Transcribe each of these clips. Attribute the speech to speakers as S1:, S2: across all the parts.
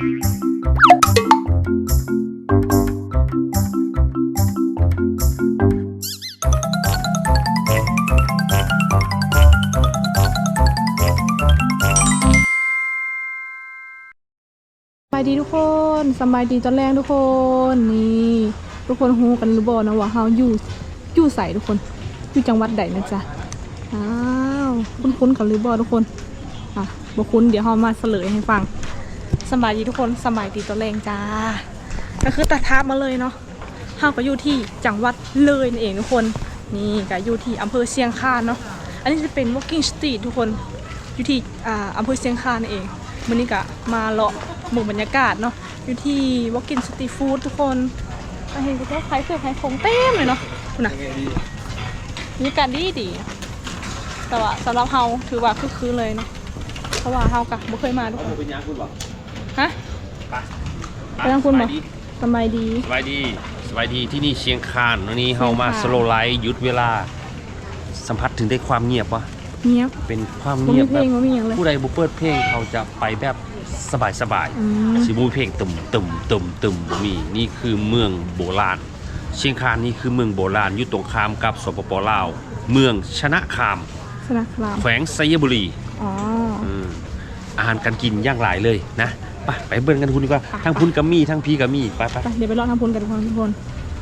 S1: สบายดีทุกคนสบายดีตอนแรกทุกคนนี่ทุกคนฮู้กันหรือบ่นะว่าเฮาอยู่ใส่ทุกคนอยู่จังหวัดใดนะจ๊ะอ้าวคุ้นๆกันหรือบ่ทุกคนบ่คุ้นเดี๋ยวเฮามาเฉลยให้ฟังสบายดีทุกคนสบายดีตอนแรกจ้าก็คือตัดทับมาเลยเนาะเฮาก็อยู่ที่จังหวัดเลยนั่นเองทุกคนนี่ก็อยู่ที่อำเภอเชียงคานเนาะอันนี้จะเป็น walking street ทุกคนอยู่ที่อำเภอเชียงคานนั่นเองมื้อนี้ก็มาเลาะหมู่บรรยากาศเนาะอยู่ที่ walking street food ทุกคนเห็นก็ขายเสื้อขายของเต็มเลยเนาะคุณน่ะมีการดีแต่ว่าสำหรับเฮาถือว่าคึกคืนเลยเนาะเพราะว่าเฮากะบ่เคยมาทุกคนฮะไปทางคุณบ่สบายดี
S2: สบายดีที่นี่เชียงคานวันนี้เฮามาสโลไลท์หยุดเวลาสัมผัสถึงได้ความเงียบวะ
S1: เงียบ
S2: เป็นความเงียบแบบผู้ใดบ่เปิดเพลงเขาจะไปแบบสบายสิบูเพลงตุ่มมีนี่คือเมืองโบราณเชียงคานนี่คือเมืองโบราณอยู่ตรงข้ามกับสปป.ลาวเมืองชนะคามแขวงไซยบุรีอาหารการกินอย่างหลายเลยนะไปเบิ่งกันทุนดีกว่าทั้งพุนกับมีทั้งพีกับมีไป
S1: เดี๋ยวไปรอทางพุนกันทุกคน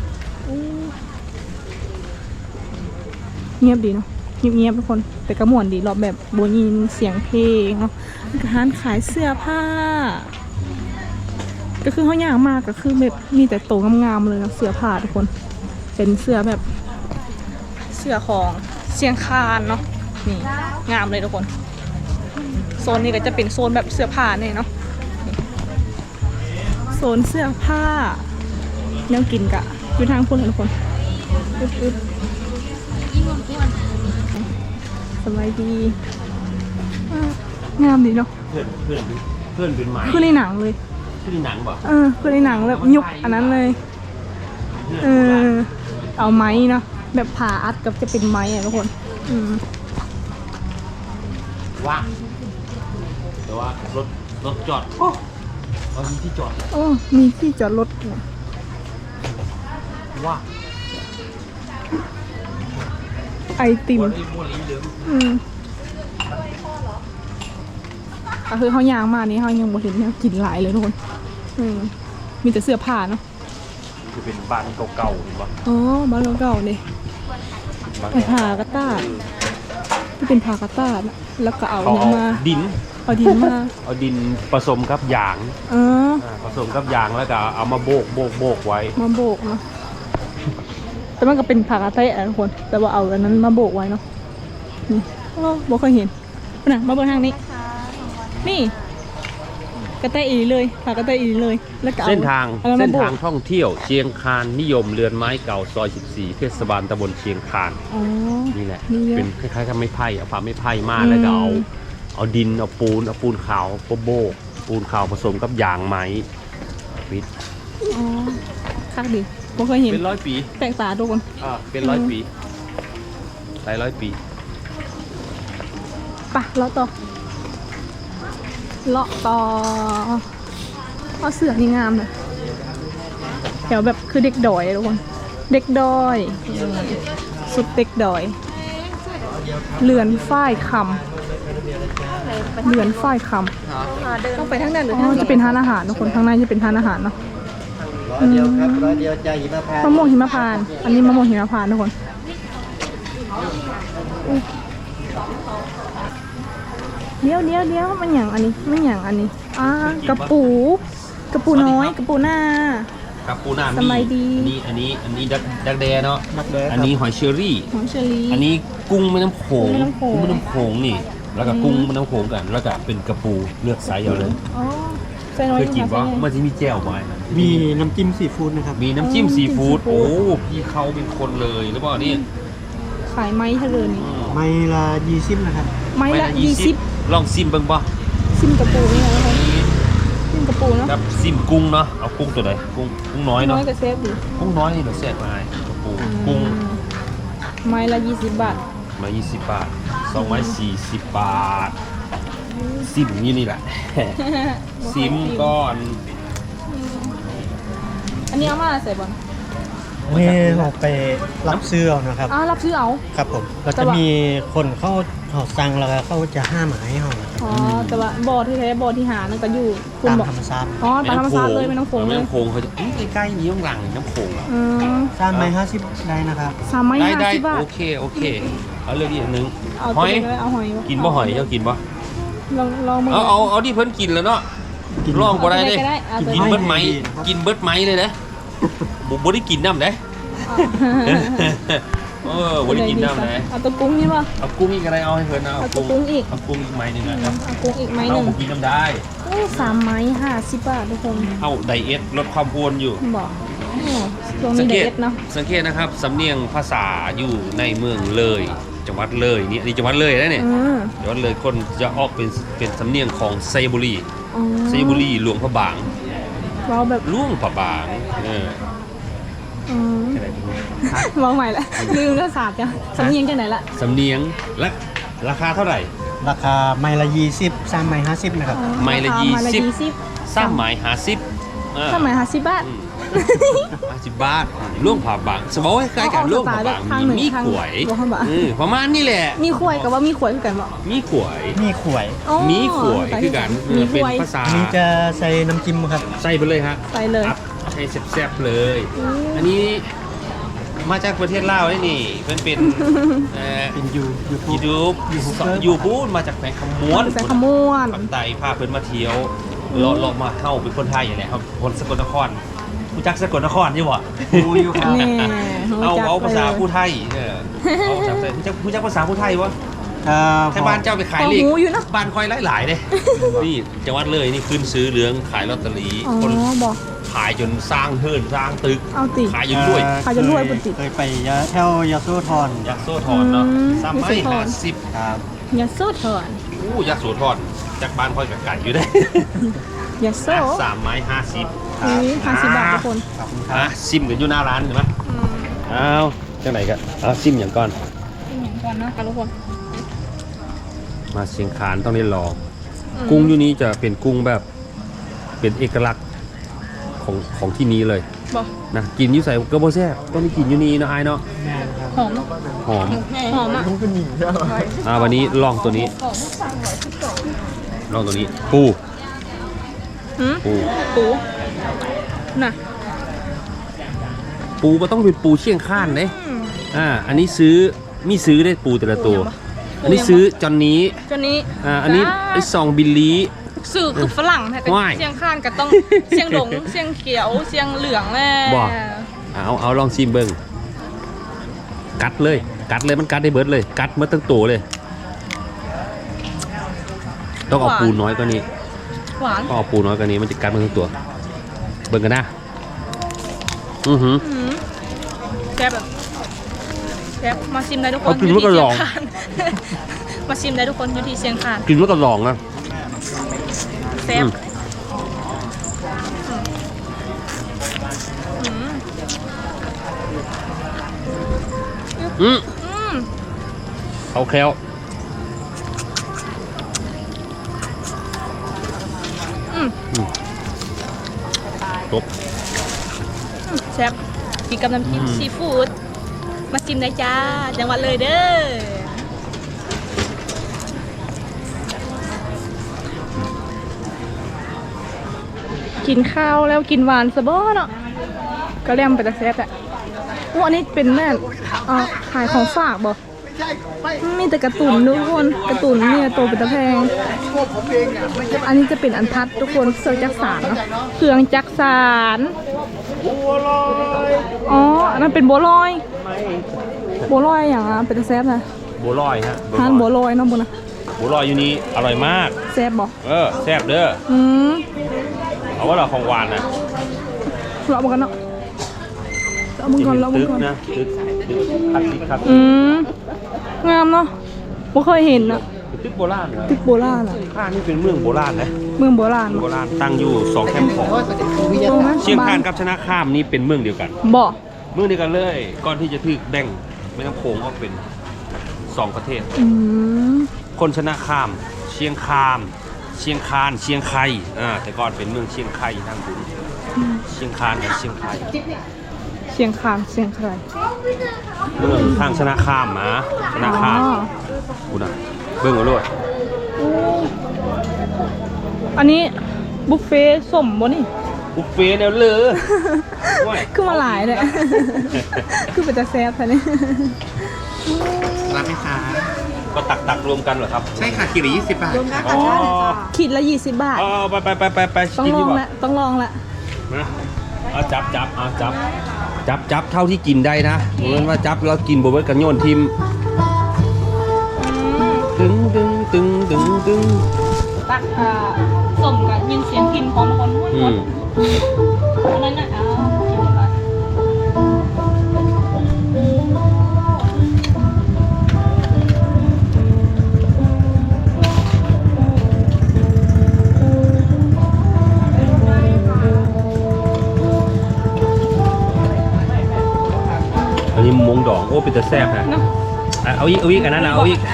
S1: เงียบดีเนาะเงียบทุกคนแต่กระหม่วนดีรอบแบบโบยินเสียงเพลงเนาะร้านขายเสื้อผ้าก็คือเขาย่างมากก็คือแบบมีแต่โตงามๆเลยนะเสื้อผ้าทุกคนเป็นเสื้อแบบเสื้อของเชียงคานเนาะนี่งามเลยทุกคนโซนนี้ก็จะเป็นโซนแบบเสื้อผ้าเนี่ยเนาะโซนเสื้อผ้าแนวกินกะอยู่ทางพุ่นทุกคนอึดสบายดีงามดีเนาะ
S2: เพื่อนเป็นไม้
S1: คือในหนังเลย
S2: คือในหนังบ่
S1: คือในหนังแบบยุคอันนั้นเลยเอาไม้เนาะแบบผ่าอัดกับจะเป็นไม้อะทุกคน
S2: ว่างแต่ว่ารถจอดมีที่จอด
S1: มีที่จอดรถ
S2: ว่า
S1: ไอติมก็คือเขายางมานี่เขายังบ่เห็นเนี่ยกินหลายเลยทุกคนมีแต่เสื้อผ้าเนาะ
S2: จะเป็นบ้านเก่าๆหรือเปล่า
S1: บ้านเก่าๆเนี่ยผ้ากระต้าที่เป็นผ้ากระต้าแล้วก็เอามา
S2: ดิน
S1: เอาดิน
S2: ผสมกับยางผสมกับยางแล้วก็เอามาโบกไว้
S1: มาโบกเนาะแต่มันก็เป็นผ้ากระเตะทุกคนแต่ว่าเอาอันนั้นมาโบกไว้เนาะนี่บ่เคยเห็นนะมาเบิ่งทางนี้นี่กระเตะอีเลยผ้ากระเตะอีเลยแล้วก็
S2: เส้นทางท่องเที่ยวเชียงคานนิยมเรือนไม้เก่าซอย14เทศบาลตำบลเชียงคานนี่แหละเป็นคล้ายๆกับไม้ไผ่เอาผ้าไม้ไผ่มาแล้วก็เอาดินเอาปูนขาวโบกปูนขาวผสมกับยางไม้ปิด
S1: คักดิบ่เคยเห็น
S2: เป็น100 ปี
S1: แปลกตาทุกคน
S2: เป็น100 ปีหลาย100 ปี
S1: ไปเลาะต่อเอาเสือนี่งามเลยแถวแบบคือเด็กดอยทุกคนเด็กดอยสุดเด็กดอยเรือนฝ้ายคำต้องไปทางนั้นหรือจะเป็นทานอาหารทุกคนทางในจะเป็นทานอาหารเนาะ
S3: เดียวครับ100 เดียวใจหิมพานต์
S1: มะม่วงหิมพานต์อันนี้มะม่วงหิมพานต์ทุกคนเดี๋ยวมันอย่างอันนี้กระปูน้อยกระปูหน้าสบายดี
S2: อันนี้ดักแด้เนาะอันนี้หอยเชอรี่อันนี้กุ้งแม่น้ำโขงนี่แล้วก็กุ้งแม่น้ำโขงกันแล้วก็เป็นกระปูเลือกไซส์เอาเลยเคยกินว่ามันจะมีแจ่วไหม
S3: มีน้ำจิ้มซีฟู้ดนะครับ
S2: มีน้ำจิ้มซีฟู้ดโอ้พี่เขาเป็นคนเลยหรือเปล่านี่
S1: ขายไม้ทะเลนี่
S3: ไม้ละ20นะครับ
S1: ไม้ละ20
S2: ลองซิมเบิ่งป่ะ
S1: ซิมกระปูนี่นะซิมกระปูเนาะ
S2: ครับซิมกุ้งเนาะเอากุ้งตัวไหนกุ้งน้อยเนาะ
S1: น้อยกับเซฟดิ
S2: กุ้งน้อยนี่เราแซ่บมากกระปูกุ้ง
S1: ไม้ละ20 บาท
S2: ไม้20 บาท2 ไม้40 บาทซิมนี่แหละ ซิมก่อน
S1: อันนี้เอามาใส่บอล
S3: นี่เราไปรับซื้อเอานะครับ
S1: รับซื้อเอา
S3: ครับผมเราจะมีคนเขาสั่งแล้วก็เขาจะห้าหมายให้เรานะครับ
S1: อ๋อแต่ว่าบอที่แท้บอที่หานั่นก็อยู่คุณ
S3: ตาม
S1: บอก
S3: ธรรมชาติ
S1: อ๋อตามธรรมชาติเลยไม่ต้องโขง
S2: ไม่
S1: เลย
S2: ต้องโขงเขาจะใกล้ๆนี้ต้องหลังน้ำโขงอ่ะ
S1: อืม
S3: 350ได้นะครับ
S1: 350 บาท
S2: โอเคเอาเรื่องอีกนึง
S1: เอา
S2: ห
S1: ตัว
S2: อย
S1: นี้ก็ได้เอาหอย
S2: กินบ่หอยเจ้ากินบ่
S1: ลองมือ
S2: เอาที่เพิ่นกินแล้วเนาะลองบ่ได้เด้
S1: เอา
S2: กินเบิดไหมกินเบิดไหมเลยนะบ่ได้กินน้ำเด้บ่ได้กินน้ำเด้
S1: เอาตัวกุ้งนี่ป่ะ
S2: เอากุ้งอีกอะไรเอาให้เพิ่นเอา
S1: เอาตัวกุ้งอีก
S2: เอากุ้งอีกไม้หนึงนะครับ
S1: เอากุ้งอีกไม้ห
S2: เอา
S1: นึ่ง
S2: บ่กินน้ำได้
S1: 3 ไม้50 บาททุกคน
S2: เอาไดเอทลดความอ้วนอยู่
S1: บอกตรงนี้เด็ดเนาะ
S2: สังเกตนะครับสำเนียงภาษาอยู่ในเมืองเลยจังหวัดเลยนี่อันนี้จังหวัดเลยนะเนี่ยจังหวัดเลยคนจะออกเป็นสำเนียงของไซบุรีไซบุรีหลวงพระบาง
S1: เราแบบ
S2: หลวงพระบาง
S1: มองใหม่ละลืมแล้วศาสตร์จ้ะสำเนียงจากไหนละ
S2: สำเนียงและราคาเท่าไหร่
S3: ราคาไม้ละ20 3ไม้50นะครับ
S2: ไม้ละ
S1: ไม้ละ
S2: 20 3ไม้50
S1: 3 ไม้50 บาท
S2: 50 บาทหลวงพระบางสมมติว่าใกล้ๆกันหลวงพระบางมีขวยประมาณนี้แหละ
S1: มีขวยกับว่ามีขวยคือกันบ่
S2: มีขวย
S3: มีขวย
S2: มีขวยคือกัน
S1: มีข
S2: เป็น
S1: วย
S2: ภาษา
S3: อันนี้จะใส่น้ำจิ้มครับ
S2: ใส่ไปเลยฮะ
S1: ใส่เลย
S2: อัพให้แซ่บๆเลย อันนี้มาจากประเทศลาวนี่เป็น
S3: เป็นยูทูบ
S2: ยูบูนมาจากแขวงคำม้วน
S1: ใส่ขมวน
S2: ปักไตพาเพิ่นมาเที่ยวเลาะมาเข้าเป็นคนไทยอย่างไรครับคนสกลนครผู้จักสกลนครใช่บ่
S3: ดูอยู่ครับ
S1: แน่
S2: เอาภาษาผู้ไทยเอาภาษาผู้จักภาษาผู้ไทยวะแค่บ้านเจ้าไปขายเลขบ้านคอยหลายๆเลยนี่จังหวัดเลยนี่ขึ้นซื้อเหลืองขายลอตเตอรี่
S1: อ๋อ
S2: คน
S1: บอก
S2: ขายจนสร้างเฮิร์นสร้างตึก
S1: เอาติ
S2: ขายจนรวย
S1: ขายจนรวยปุติ
S3: เคยไปแถวยาโซธร
S2: ยักษ์โซทอนเนาะ
S1: อืม
S2: สามไม้
S1: ยักษ์โสธร
S2: 50
S3: ครับ
S1: ยาโซเถิน
S2: อู้ยักษ์โซทอนจากบ้านคอยกับไก่อยู่ได้
S1: ยาโซ
S2: 3 ไม้ 50
S1: อุ้ย50 บาททุกคน
S3: ขอบคุณครับ
S2: ซิมกันอยู่หน้าร้านเห็นไหมอ้าวจังไหนกันเอาซิมอย่างก่อน
S1: อย่างก่อนนะคะทุกคน
S2: มาเชียงคานต้องได้ลองกุ้งอยู่นี้จะเป็นกุ้งแบบเป็นเอกลักษณ์ของที่นี้เลย
S1: บอก
S2: นะกินอยู่ใส่กระโบแซ่บต้องได้กินอยู่นี้เนาะไอ้เนาะ
S1: หอม
S2: หอม
S1: หอมอ่ะ
S2: วันนี้ลองตัวนี้ลองตัวนี้ปู
S1: หืม
S2: ปู
S1: ปูน่ะ
S2: ปูก็ต้องเป็นปูเชียงคานเด้อันนี้ซื้อได้ปูแต่ละตัว อันนี้ซื้อจอนนี้
S1: จนนี้
S2: อันนี้ไอ้2 บิลลี
S1: สื่อคือฝรั่งแต่ก็
S2: ว้าย
S1: เสียงข้านก็ต้องเสียงหลงเสียงเขียวเสียงเหลืองแน่
S2: บ่ เอาลองชิมเบิ้งกัดเลยมันกัดได้เบิดเลยกัดเมื่อตั้งตัวเลย ต้องเอาปูน้อยกว่านี้
S1: หวาน
S2: ต้องเอาปูน้อยกว่านี้มันจะกัดเมื่อตั้งตัว เบิ้งกันนะอือหือ
S1: หืมแซ่บแบบแซ่บมาชิมได้ทุกคน
S2: เอากินแล้วก็ลอง
S1: ยู่ที่เชียคาน มาชิมได้ทุกคนอยู่ที่เชียงคาน
S2: กินแล้วก็ลองนะ
S1: แซ่บ
S2: อืม
S1: อืม
S2: เขาแคล้วจบ
S1: แซ่บกินกับน้ำจิ้ม
S2: อืม
S1: ซีฟู้ดมาชิมได้จ้าจังหวัดเลยเด้อกินข้าวแล้วกินหวานสะบ้อเนาะก็เรียมไปแต่แซ่บอะอันนี้เป็นแม่ขายของฝากบ่มีแต่การ์ตูนทุกคนการ์ตูนเนี่ยโตเป็นตะแพงอันนี้จะเป็นอันทัดทุกคนเครื่องจักสานเนาะเครื่องจักสานอ๋ออันนั้นเป็นบัวลอยอย่างอ่ะเป็นตะแซ่บนะ
S2: บัวลอยฮะ
S1: ทานบัวลอยเนาะบุญนะ
S2: บัวลอยอยู่นี้อร่อยมาก
S1: แซ่บบ่
S2: แซ่บเด้อ
S1: อืม
S2: เอาว่าเราของหวานนะ
S1: เราบังกันเนาะเราบังก่อนเราบัง
S2: ตึก
S1: ก่อน
S2: นะตึกคัดสิคัด
S1: งามเนาะไม่เคยเห็นอะ
S2: ตึกโบราณเหรอ
S1: ตึกโบราณอะ
S2: ข้านี่เป็นเมืองโบราณนะ
S1: เมืองโบราณ
S2: โบราณตั้งอยู่2 แคมป์ของ
S1: ตรงนั้น
S2: เชียงคานกับชนะข้ามนี่เป็นเมืองเดียวกัน
S1: บ่
S2: เมืองเดียวกันเลย ก่อนที่จะถูกแบ่งไม่ต้องโค้งออกเป็น2 ประเทศ
S1: อืม
S2: คนชนะข้ามชียงคานเชียงไคแต่ก่อนเป็นเมืองเชียงไคทางบุญเชียงคานกับเชียงไค
S1: เชียงคานเชียงใคร
S2: เมืองทางชนะข้ามนะชนะข้ามกูนะเบิ่งเอาโลด
S1: อันนี้บุฟเฟ่ต์สมบ่นี่
S2: บุฟเฟ่ต์แนวเลย
S1: คือมาหลายเลย คือเป็นตาแซ่บแท้นี่
S4: รับไหมคะ
S2: ก็ตักรวมกันเหรอครับ
S4: ใช่ค่ะกิโล20 บาทค่ะ
S2: อ๋อ
S1: ขีดละ20 บาท
S2: ไป
S1: ต้อง
S2: กิน
S1: ล
S2: ดี
S1: อง
S2: กว่า
S1: ละต้องลองละ
S2: นะเอาจับเท่าที่กินได้นะเหมือนว่าจับแล้วกินบ่เบิดกันโยนทิมตึง
S1: ตักสมกับยินเสียงกินของคนห้วยคนอันนั้นน่ะกินไป
S2: อันนี้มงดองโอ้เป็นแต่แซ่บฮะเอาอีกอันนั้นนะเอาอีก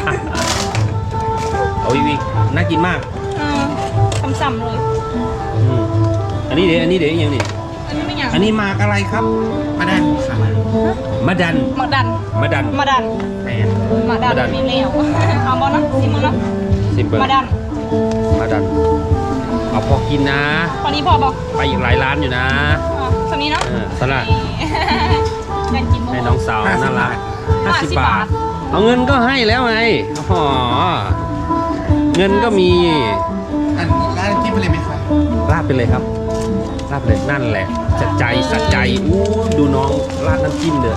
S2: เอาอีกน่ากินมาก
S1: ซ้ำๆเลย
S2: อันนี้เดี๋ยวยังนี่
S1: อันนี้ไม่อย่าง
S2: อันนี้หมากอะไรครับ
S4: มาได้ค่ะ
S2: มะดัน
S1: มาดัน
S2: แม่น
S1: มาดันมีเหลวเอาบอลนะซิมบอลนะ
S2: ซิมเปิล
S1: มาดัน
S2: มะดันเอาพอกินนะ
S1: ตอนนี้พอบอก
S2: ไปอีกหลายร้านอยู่นะ
S1: สนี้เนาะ
S2: สลัด
S1: อยากกิน
S2: ให้น้องสาวน่ารัก
S1: 50
S2: 50 บาท เอาเงินก็ให้แล้วไงอ๋อเงินก็มี
S4: อันร้านจิ้มไปเลยไหมคะ
S2: ราดไปเลยครับราดไปเลยนั่นแหละจะใจสัใจอู้ดูน้องราดน้ำจิ้มเด้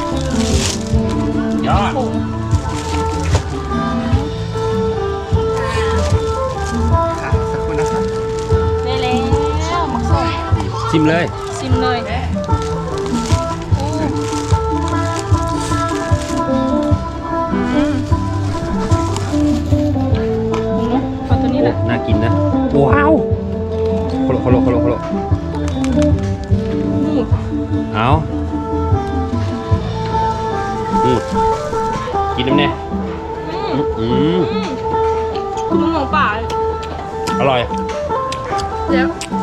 S2: อยอด
S4: ค่ะสักคนนะคะ
S1: ได้แล้วหมักส้ม
S2: ชิมเลย
S1: ชิมเลยเอาตัวนี้แหละ
S2: น่ากินนะว้าวโคโลเอากินน้ำเนี่ย
S1: คุณลุงของป่า
S2: อร่อย
S1: แล้ว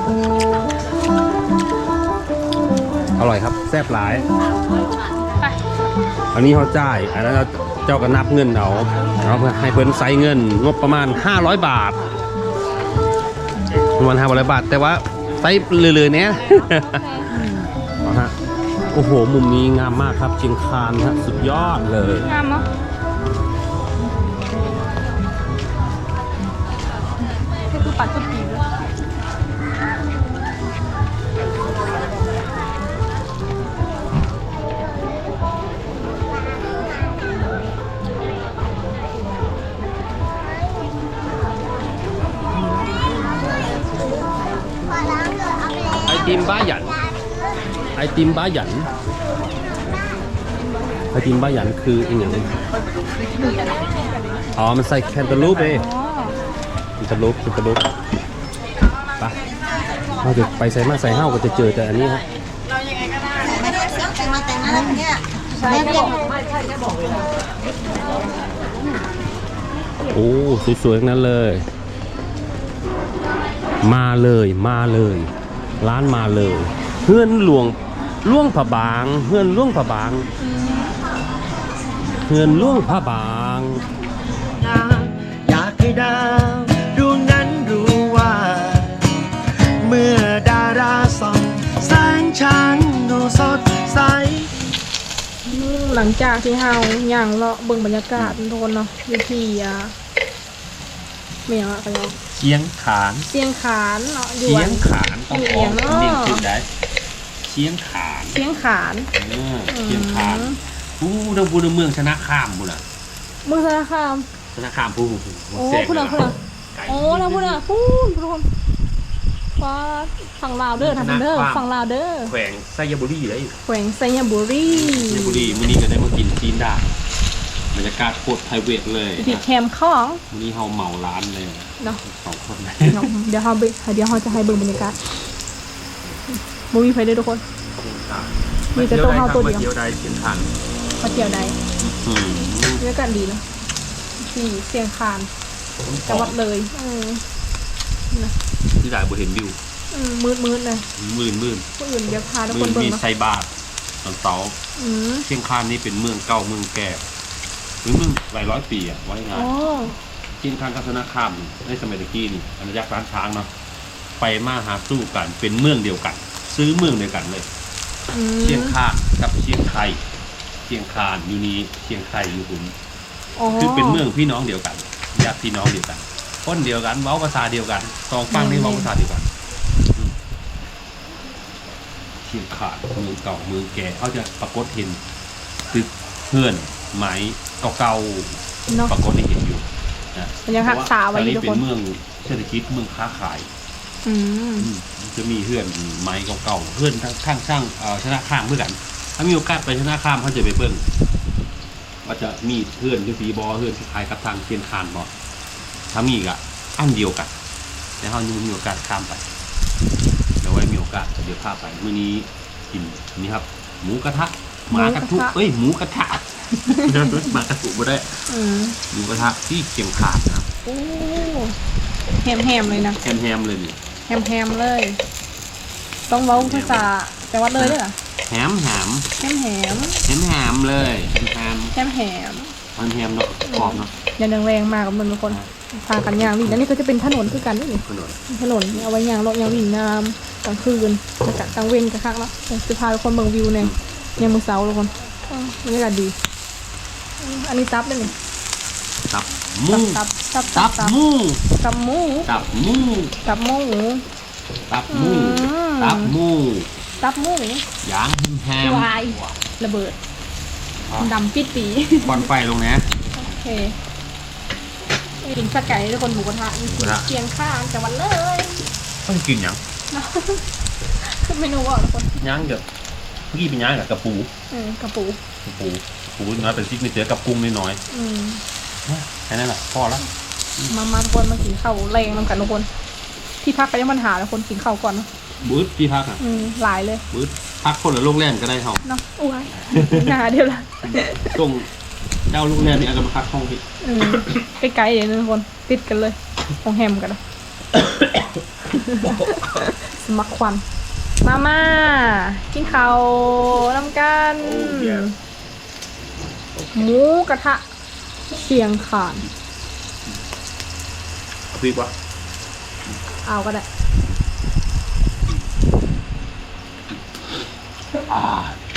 S2: อร่อยครับแซ่บหลาย
S1: ไป
S2: อันนี้เขาจ่ายอันนั้นเจ้าก็นับเงินเอาเพื่อให้เพิ่นใส่เงินงบประมาณ500 บาทประมาณ500 บาทแต่ว่าใส่เลยๆเนี่ย เอาฮะโอ้โหมุมนี้งามมากครับเชียงคานฮะสุดยอดเลย
S1: งามเนาะนี่คือปัดสุดปีเลย
S2: ไอติมบ้าหยันไอติมบ้าหยันไอติมบ้าหยันคืออีกอย่างอ๋อมันใส่แคนตาลูปเองแคนตาลูปไปเราจะไปใส่มาใส่ห้าวก็จะเจอแต่อันนี้ฮะ โอ้สวยๆทั้งนั้นเลย มาเลยร้านมาเลยเฮือนล่วงผาบางเฮือนล่วงผาบางเฮือนล่วงผาบาง
S3: อยากให้ดาวดวงนั้นรู้ว่า เมื่อดาราส่องแสงฉันดูสดใส
S1: หลังจากที่เฮาย่างเลาะเบิ่งบรรยากาศโทนเนาะวิธีเมียงอะกันเนาะ
S2: เชียงขาน
S1: เสียงขานเนาะอยู่
S2: เชีย
S1: อั
S2: ง
S1: น
S2: ขานต้องออกเรียงขึ้นได้เชียงขาน
S1: เสียงขาน
S2: เชียงขานผู้ดังบูนเมืองชนะข้ามบุญอ่ะ
S1: เมืองสารคาม
S2: ชนะข้ามผู้
S1: โอ้พูดนะโอ้นะพูดนะพูดทุกคนว่าฝั่งลาวเด้อทางเด้อฝั่งลาวเด้อ
S2: แขวงไซยบุรีเลย
S1: แขวงไซยบุรี
S2: ไซยบุรีมื้อนี้ก็ได้มากินจีนดาบรรยากาศโคตรไพรเวทเลย
S1: ที่แคมป์ของ
S2: มื้อนี้เฮาเหมาร้านเลย
S1: เนาะ
S2: 2 คน
S1: เดี๋ยวเราจะให้เบิ่งบรรยากาศบ่มีไผเด้อทุกคน มีแต่ตัวเฮาตัวเดียว
S2: เที่ยวได้เชียงขาน
S1: มาเที่ยวใด
S2: อืม
S1: บรรยากาศดีเนาะที่เสียงคานจังหวัดเลยนะ
S2: ที่ไหนบ่เห็นวิว
S1: มืดเลย
S2: มื่น
S1: ผู้อื่นเดี๋ยวพาทุกค
S2: มื่
S1: น
S2: น
S1: เบิ่ง
S2: มี
S1: เนาะ
S2: ไซบาทตอนเสาร์
S1: อืม
S2: เชียงคานนี่เป็นเมืองเก่าเมืองแก่หรือเมืองหลายร้อยปีอะไว้งาน
S1: อ๋อ
S2: เชียงคานกับธนาคารในสมัยตะกี้นี่อาณาจักรร้านช้างเนาะไปมาหาสู้กันเป็นเมืองเดียวกัน ซื้อเมืองเดียวกันเลย
S1: อืม
S2: เชียงคานกับเชียงไคเชียงคานอยู่นี้เชียงไคอยู่หุ่น
S1: อ๋อ
S2: คือเป็นเมืองพี่น้องเดียวกันญาติพี่น้องเดียวกันคนเดียวกันเว้าภาษาเดียวกันสองฝั่งนี่เว้าภาษาเดียวกันเชียงคานเมืองเก่าเมืองแก่เขาจะปรากฏเห็นตึกเพื่อนไม้เก่า
S1: เนาะ
S2: ๆปรากฏให้เห็นอยู่นะ
S1: มันยังรักษาไว้อยู่
S2: เพ
S1: ทุก
S2: ราะ
S1: คน
S2: ว่าแถวนี้เป็นเมืองเศรษฐกิจเมืองค้าขาย
S1: อืม
S2: จะมีเพื่อนไม้เก่าๆเพื่อนข้างช่างชนะข้ามเพื่อกัน ถ้ามีโอกาสไปชนะข้ามเขาจะไปเบิ่งว่าจะมีเพื่อนที่สีบอเพื่อนที่คล้ายกับทางเชียนคานบอถ้ามีก็อันเดียวกันแต่เขายังไม่มีโอกาสข้ามไปเดี๋ยวไว้มีโอกาสเดี๋ยวพาไปมื้อนี้กินนี่ครับ หมูกระทะหมากระทุเอ้ยหมูกระทะ หมากระทุบ่ได้
S1: อืม
S2: หมูกระทะที่เชียงคานนะครับ
S1: โอ้แฮมเลยนะ
S2: แฮมเลยนี่
S1: แฮมเลย ต้องเว้าภาษาจังหวัดเลยด้วยเหรอ
S2: แฮม
S1: แฮม
S2: เลยแฮม
S1: มัน
S2: เนาะกรอบเนาะ
S1: ยันแรงๆมากกับมันทุกคนพากันยางวิ่งแล้วนี่ก็จะเป็นถนนคือกันนี่
S2: ขนม
S1: ถนนเอาไว้ยางรถยางวิ่งน้ำกลางคืนกลางเว้นกลางคักแล้วจะพาทุกคนเบิ่งวิวเนี่ยยามมื้อเช้าทุกคนบรรยากาศดีอันนี้ตับเลยนี่
S2: ตับหมู
S1: ตับ
S2: ตับหมู
S1: ตับหมู
S2: ตับหมู
S1: ตับหมู
S2: ตับหมู
S1: อืม
S2: ตับหมู
S1: ตับหมู
S2: ย่างแฮม
S1: วายระเบิดดำปิดปี
S2: ควันไฟลงนะ
S1: โอเคกินสไก่ทุกคนหมูกระทะเคียงข้างจังหวัดเลย
S2: ต้องกินหยัง
S1: ขึ้นเมนูว่าทุกคน
S2: ย่างกับเมื่อกี้เป็นย่างกับกระปู
S1: กระปู
S2: น้อยเป็นซิกเนเจอร์กับกุ้งน้อย
S1: อืม
S2: ๆแค่นั้นแหละพอแล้ว
S1: มาทุกคนมากินข้าวแรงน้ำกันทุกคน ที่พักก็ยังปัญหาแล้วคนกินข้าวก่อนเนอะ
S2: บูธที่พักอ่ะ
S1: หลายเลย
S2: บูธพักคนละโรงแรมก็ได้เฮา
S1: เนาะอ้วยหนาเดียวละ
S2: ตรงเจ้าโรงแรมนี่เอากันมาพักห้องพี่
S1: ใกล้ๆเลยนะทุกคนติดกันเลยของแฮมกันนะสมัครควันมากินข้าวน้ำกันหมูกระทะเชียงคาน
S2: พี่ปะ
S1: เอาก็ได้
S2: อ่า